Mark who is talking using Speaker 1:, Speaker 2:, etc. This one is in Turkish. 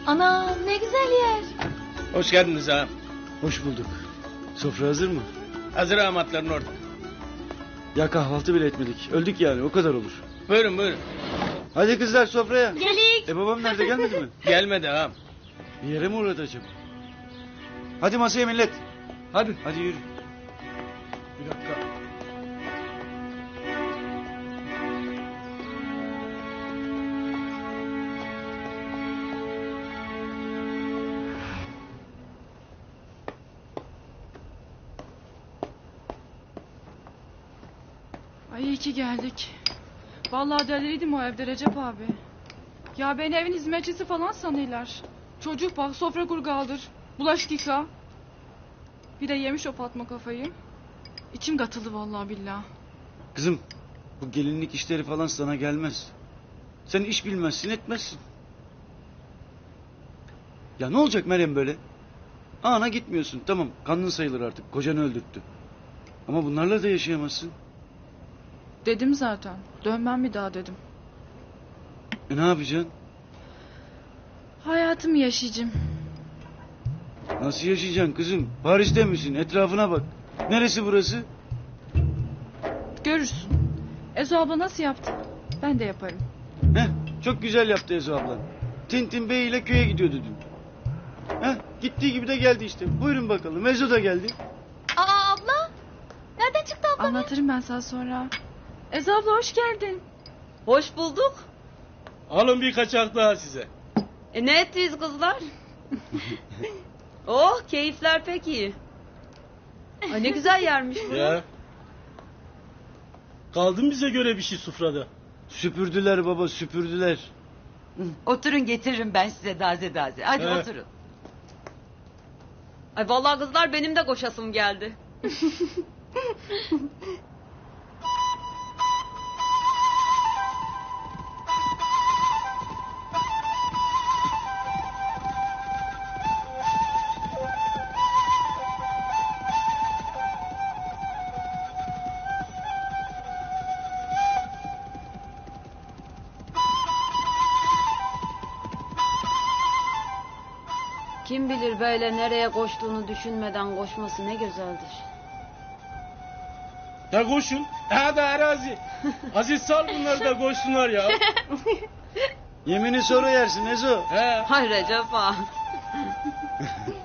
Speaker 1: Ana ne güzel yer.
Speaker 2: Hoş geldiniz ağam.
Speaker 3: Hoş bulduk. Sofra hazır mı?
Speaker 2: Hazır ağamatların orada.
Speaker 3: Ya kahvaltı bile etmedik. Öldük yani, o kadar olur.
Speaker 2: Buyurun buyurun.
Speaker 3: Hadi kızlar sofraya.
Speaker 1: Gelik.
Speaker 3: Babam nerede, gelmedi mi?
Speaker 2: Gelmedi ağam.
Speaker 3: Bir yere mi uğradı acaba? Hadi masaya millet. Hadi. Hadi yürü. Bir dakika.
Speaker 4: Ay iyi ki geldik. Vallahi deliriydim o evde Recep abi. Ya beni evin hizmetçisi falan sanıyorlar. Çocuk bak, sofra kur kaldır. Bulaşık yıka. Bir de yemiş o Fatma kafayı. İçim katıldı vallahi billah.
Speaker 3: Kızım, bu gelinlik işleri falan sana gelmez. Sen iş bilmezsin, etmezsin. Ya ne olacak Meryem böyle? Ana gitmiyorsun, tamam, kanın sayılır artık, kocanı öldürttü. Ama bunlarla da yaşayamazsın.
Speaker 4: Dedim zaten. Dönmem bir daha dedim.
Speaker 3: Ne yapacaksın?
Speaker 4: Hayatımı yaşayacağım.
Speaker 3: Nasıl yaşayacaksın kızım? Paris'te misin? Etrafına bak. Neresi burası?
Speaker 4: Görürsün. Ezo abla nasıl yaptı? Ben de yaparım.
Speaker 3: Heh, çok güzel yaptı Ezo ablan. Tintin Bey ile köye gidiyordu dün. Heh, gittiği gibi de geldi işte. Buyurun bakalım, Ezo da geldi.
Speaker 1: Aa abla. Nereden çıktı abla?
Speaker 4: Anlatırım ben sana sonra. Ezo abla hoş geldin.
Speaker 5: Hoş bulduk.
Speaker 2: Alın bir kaçak daha size.
Speaker 5: Ne ettiniz kızlar? Oh, keyifler pek iyi. Ay ne güzel yermiş bu.
Speaker 2: Ya. Kaldı mı bize göre bir şey sufrada?
Speaker 3: Süpürdüler baba, süpürdüler.
Speaker 6: Oturun, getiririm ben size daze daze. Hadi
Speaker 2: Evet.
Speaker 6: oturun.
Speaker 5: Ay vallahi kızlar benim de koşasım geldi. Kim bilir böyle nereye koştuğunu düşünmeden koşması ne güzeldir.
Speaker 2: Ya koşun. Hadi arazi. Aziz sal bunları da koşsunlar ya.
Speaker 3: Yemini sonra yersin Ezo.
Speaker 2: He.
Speaker 5: Hay Recep ağa.